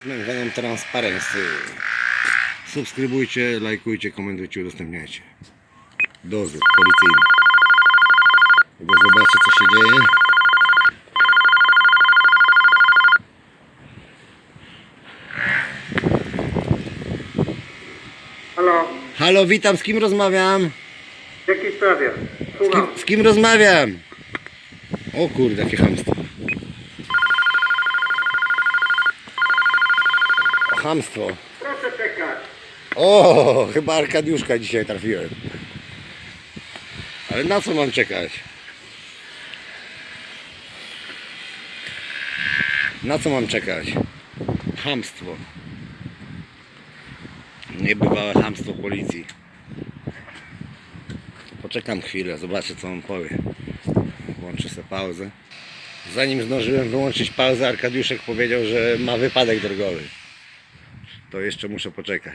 Venom Transparency. Subskrybujcie, lajkujcie, komentujcie, udostępniajcie. Dozór policyjny. Bo zobaczcie, co się dzieje. Halo, Halo, witam, z kim rozmawiam? w jakiej sprawie? Słucham. Z kim rozmawiam? O kurde, jakie chamstwo. Chamstwo. Proszę czekać. O, chyba Arkadiuszka dzisiaj trafiłem. Ale na co mam czekać? Na co mam czekać? Chamstwo. Niebywałe chamstwo policji. Poczekam chwilę, zobaczę, co on powie. Włączę sobie pauzę. Zanim zdążyłem wyłączyć pauzę, Arkadiuszek powiedział, że ma wypadek drogowy. To jeszcze muszę poczekać.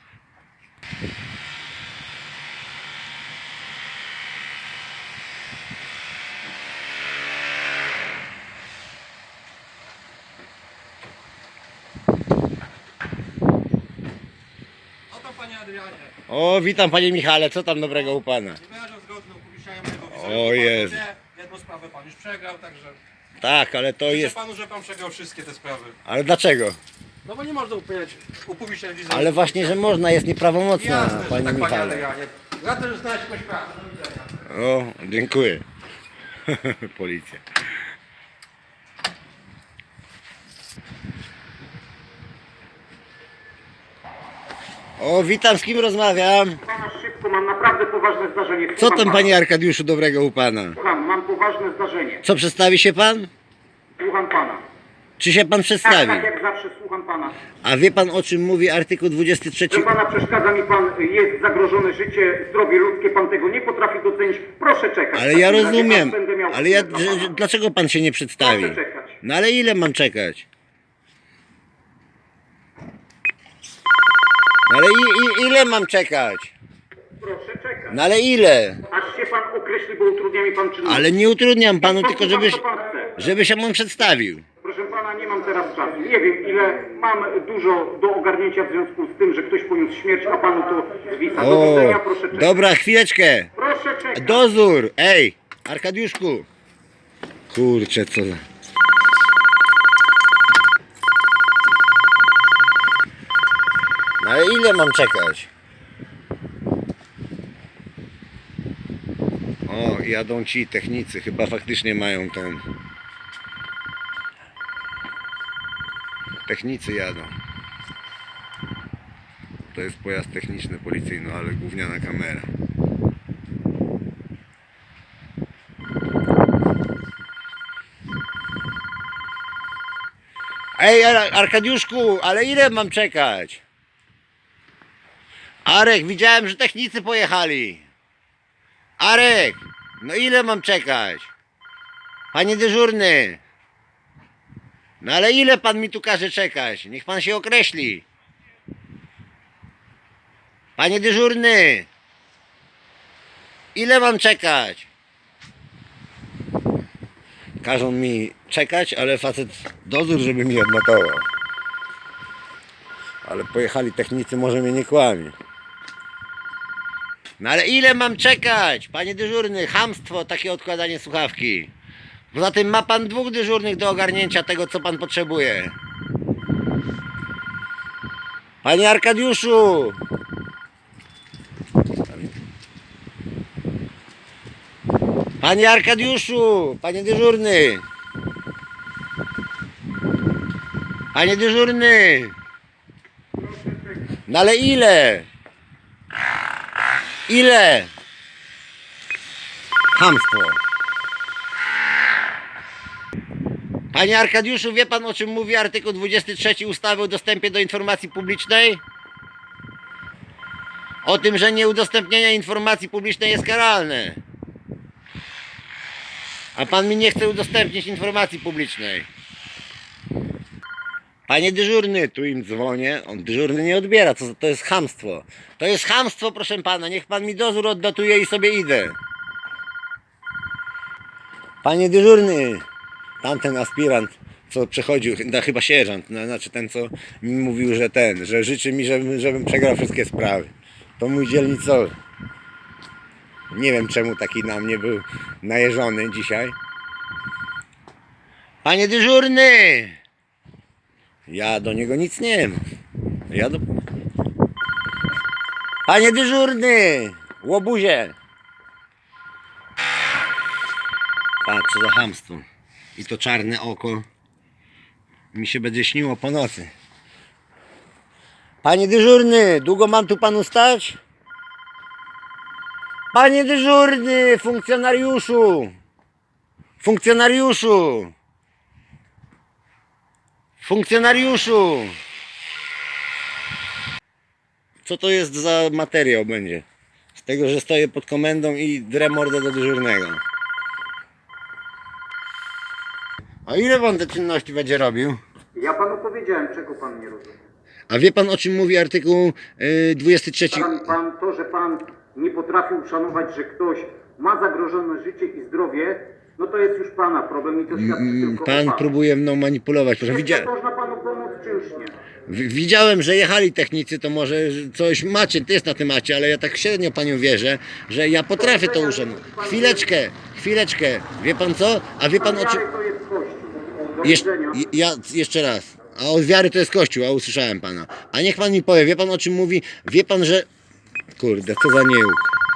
Oto panie Adrianie. O, witam panie Michale, co tam dobrego u pana? Wyrażam zgodne upubliczniają mojego wizerunku. O Jezu. Jedną sprawę pan już przegrał, także Tak, ale to życzę jest... panu, że pan przegrał wszystkie te sprawy. Ale dlaczego? No bo nie można upubliczniać wizerunku. Ale właśnie, że można, jest nieprawomocna, Jasne, że panie tak panie Michale. Adrianie. Radzę, że znaleźć jakąś pracę. Do widzenia. O, dziękuję. Policja. O, witam, z kim rozmawiam? Pana szybko, mam naprawdę poważne zdarzenie. Co tam, panie Arkadiuszu, dobrego u pana? Słucham, mam poważne zdarzenie. Co, przedstawi się pan? Słucham pana. Czy się pan Tak, przedstawi? tak jak zawsze słucham pana. A wie pan, o czym mówi artykuł 23? Że pana przeszkadza mi pan, jest zagrożone życie, zdrowie ludzkie, pan tego nie potrafi docenić. Proszę czekać. Ale W ja takim razie rozumiem, aż będę miał ale ja, dla pana. dlaczego pan się nie przedstawi? Proszę czekać. No ale ile mam czekać? No ale ile mam czekać? Proszę czekać. No ale ile? Aż się pan określi, bo utrudnia mi pan czynność. Ale nie utrudniam panu, Pan tylko słucha, co pan chce. żeby się on przedstawił. Proszę pana, nie mam teraz czasu. Nie wiem ile, mam dużo do ogarnięcia w związku z tym, że ktoś poniósł śmierć, a panu to zwisa. Do O, widzenia, proszę czekać. dobra, chwileczkę. Proszę czekać. Dozór, ej, Arkadiuszku. Kurczę, co za... No ale ile mam czekać? O, jadą ci technicy, chyba faktycznie mają tą... Technicy jadą. To jest pojazd techniczny policyjny, ale gówniana kamera. Ej, Arkadiuszku, ale ile mam czekać? Arek, widziałem, że technicy pojechali. Arek, no ile mam czekać? Panie dyżurny. No ale ile pan mi tu każe czekać? Niech pan się określi. Panie dyżurny. Ile mam czekać? Każą mi czekać, ale facet dozór, żeby mi odnotował. Ale pojechali technicy, może mnie nie kłamie. No ale ile mam czekać? Panie dyżurny, chamstwo, takie odkładanie słuchawki. Poza tym ma pan dwóch dyżurnych do ogarnięcia tego, co pan potrzebuje. Panie Arkadiuszu! Panie Arkadiuszu! Panie dyżurny! Panie dyżurny! No ale ile? Ile? Chamstwo. Panie Arkadiuszu, wie pan, o czym mówi artykuł 23 ustawy o dostępie do informacji publicznej? O tym, że nieudostępnienie informacji publicznej jest karalne. A pan mi nie chce udostępnić informacji publicznej. Panie dyżurny, tu im dzwonię, on dyżurny nie odbiera, to jest chamstwo. To jest chamstwo, proszę pana, niech pan mi dozór odnotuje i sobie idę. Panie dyżurny, tamten aspirant co przechodził, chyba sierżant, znaczy ten, co mi mówił, że życzy mi, żebym przegrał wszystkie sprawy. To mój dzielnicowy. Nie wiem, czemu taki na mnie był najeżony dzisiaj. Panie dyżurny! Ja do niego nic nie mam. Panie dyżurny! Łobuzie! Patrz, co za chamstwo. I to czarne oko mi się będzie śniło po nocy. Panie dyżurny, długo mam tu panu stać? Panie dyżurny, funkcjonariuszu! Funkcjonariuszu! Funkcjonariuszu! Co to jest za materiał będzie? Z tego, że stoję pod komendą i drę mordę do dyżurnego. A ile pan te czynności będzie robił? Ja panu powiedziałem, czego pan nie rozumie. A wie pan, o czym mówi artykuł 23? Pan to, że pan nie potrafi uszanować, że ktoś ma zagrożone życie i zdrowie, no to jest już pana problem i to świadczy tylko o Pan panu. próbuje mną manipulować. Proszę, Czy można panu pomóc, czy już nie? widziałem, że jechali technicy, to może coś macie, ty jest na temacie, ale ja tak średnio panią wierzę, że ja potrafię to uszanować. Chwileczkę. Wie pan co? A wie pan o czym... Wiary to jest Kościół. Do widzenia. Ja jeszcze raz. A od wiary to jest Kościół, a usłyszałem pana. A niech pan mi powie, wie pan o czym mówi? Wie pan, że... Kurde, co za nieuk.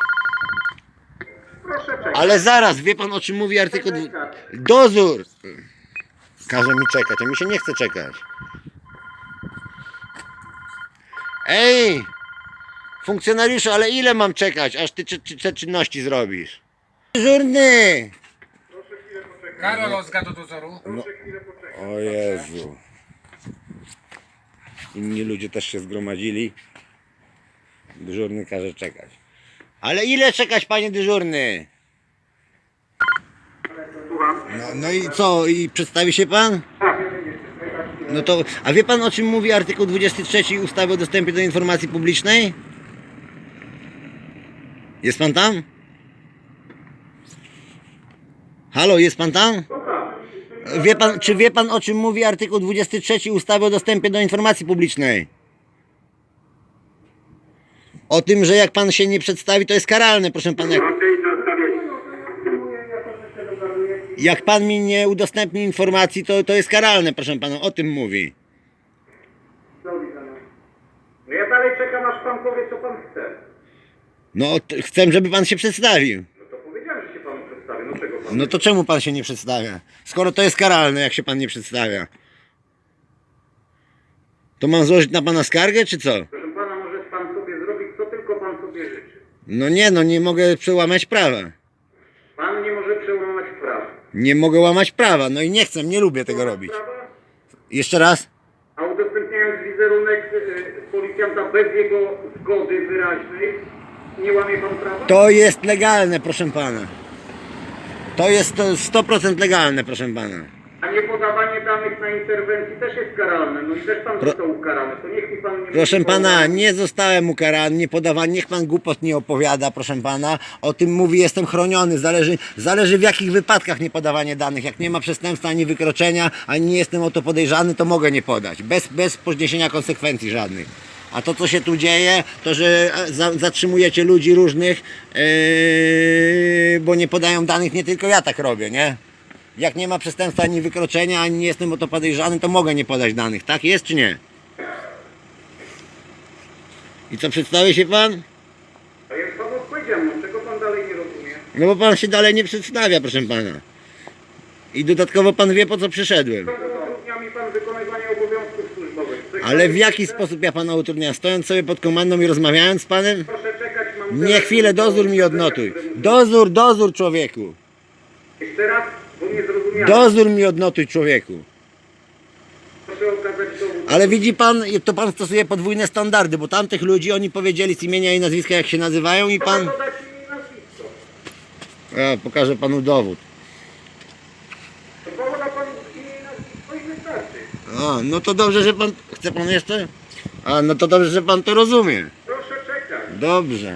Proszę czekać. Ale zaraz, wie pan o czym mówi artykuł... Dozór! Każe mi czekać, a mi się nie chce czekać. Ej! Funkcjonariuszu, ale ile mam czekać, aż ty te czynności zrobisz? Dyżurny! Karol Ozga do dozoru. O Jezu. Inni ludzie też się zgromadzili. Dyżurny każe czekać. Ale ile czekać, panie dyżurny? No i co? I przedstawi się pan? No to, a wie pan, o czym mówi artykuł 23 ustawy o dostępie do informacji publicznej? Jest pan tam? Halo, jest pan tam? Czy wie pan, o czym mówi artykuł 23 ustawy o dostępie do informacji publicznej? O tym, że jak pan się nie przedstawi, to jest karalne, proszę pana. Jak pan mi nie udostępni informacji, to jest karalne, proszę pana. O tym mówi. No ja dalej czekam, aż pan powie, co pan chce. No, chcę, żeby pan się przedstawił. No to powiedziałem, że się panu przedstawię. No czego pan? No to czemu pan się nie przedstawia? Skoro to jest karalne, jak się pan nie przedstawia. To mam złożyć na pana skargę, czy co? Proszę pana, może pan sobie zrobić, co tylko pan sobie życzy. No nie mogę przełamać prawa. Pan nie może przełamać prawa. Nie mogę łamać prawa, no i nie chcę, nie lubię tego robić. Prawa? Jeszcze raz? A udostępniając wizerunek policjanta bez jego zgody wyraźnej, nie łamie pan prawa? To jest legalne, proszę pana. To jest 100% legalne, proszę pana. A nie podawanie danych na interwencji też jest karalne. No i też pan został ukarany. To niech mi pan nie Proszę mówi, pana, nie zostałem ukarany, nie podawany, niech pan głupot nie opowiada, proszę pana. O tym mówi, jestem chroniony, zależy w jakich wypadkach nie podawanie danych. Jak nie ma przestępstwa ani wykroczenia, ani nie jestem o to podejrzany, to mogę nie podać. Bez poniesienia konsekwencji żadnych. A to, co się tu dzieje, to, że zatrzymujecie ludzi różnych, bo nie podają danych, nie tylko ja tak robię, nie? Jak nie ma przestępstwa ani wykroczenia, ani nie jestem o to podejrzany, to mogę nie podać danych. Tak jest czy nie? I co, przedstawi się pan? A jak pan odpowiedział, no czego pan dalej nie rozumie? No bo pan się dalej nie przedstawia, proszę pana. I dodatkowo pan wie, po co przyszedłem. Utrudnia mi pan wykonywanie obowiązków służbowych. Ale w jaki sposób ja pana utrudniam? Stojąc sobie pod komandą i rozmawiając z panem? Proszę czekać, mam... Nie, chwilę, dozór mi odnotuj. Dozór, człowieku. Jeszcze raz, bo nie zrozumiałem. Dozór mi odnotuj, człowieku. Proszę okazać dowód. Ale widzi pan, to pan stosuje podwójne standardy, bo tamtych ludzi oni powiedzieli z imienia i nazwiska, jak się nazywają, i pan... Proszę podać mi nazwisko. Ja pokażę panu dowód. To powoda pan imię i nazwisko i wystarczy. A, no to dobrze, że pan... Chce pan jeszcze? A, no to dobrze, że pan to rozumie. Proszę czekać. Dobrze.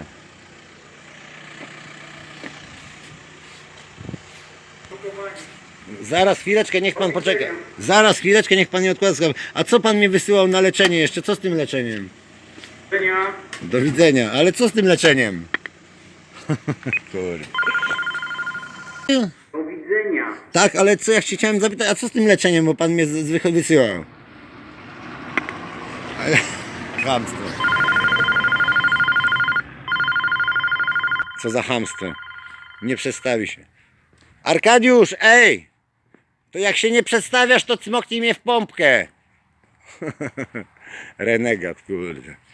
Zaraz, chwileczkę, niech pan poczeka. Zaraz, chwileczkę, niech pan nie odkłada sprawy. A co pan mnie wysyłał na leczenie jeszcze? Co z tym leczeniem? Do widzenia. Ale co z tym leczeniem? Kurde. Do widzenia. Tak, ale co ja chciałem zapytać, a co z tym leczeniem, bo pan mnie zwykle wysyłał? Ale... Chamstwo. Co za chamstwo. Nie przedstawi się. Arkadiusz, ej! To jak się nie przedstawiasz, to cmoknij mnie w pompkę. Renegat, kurde.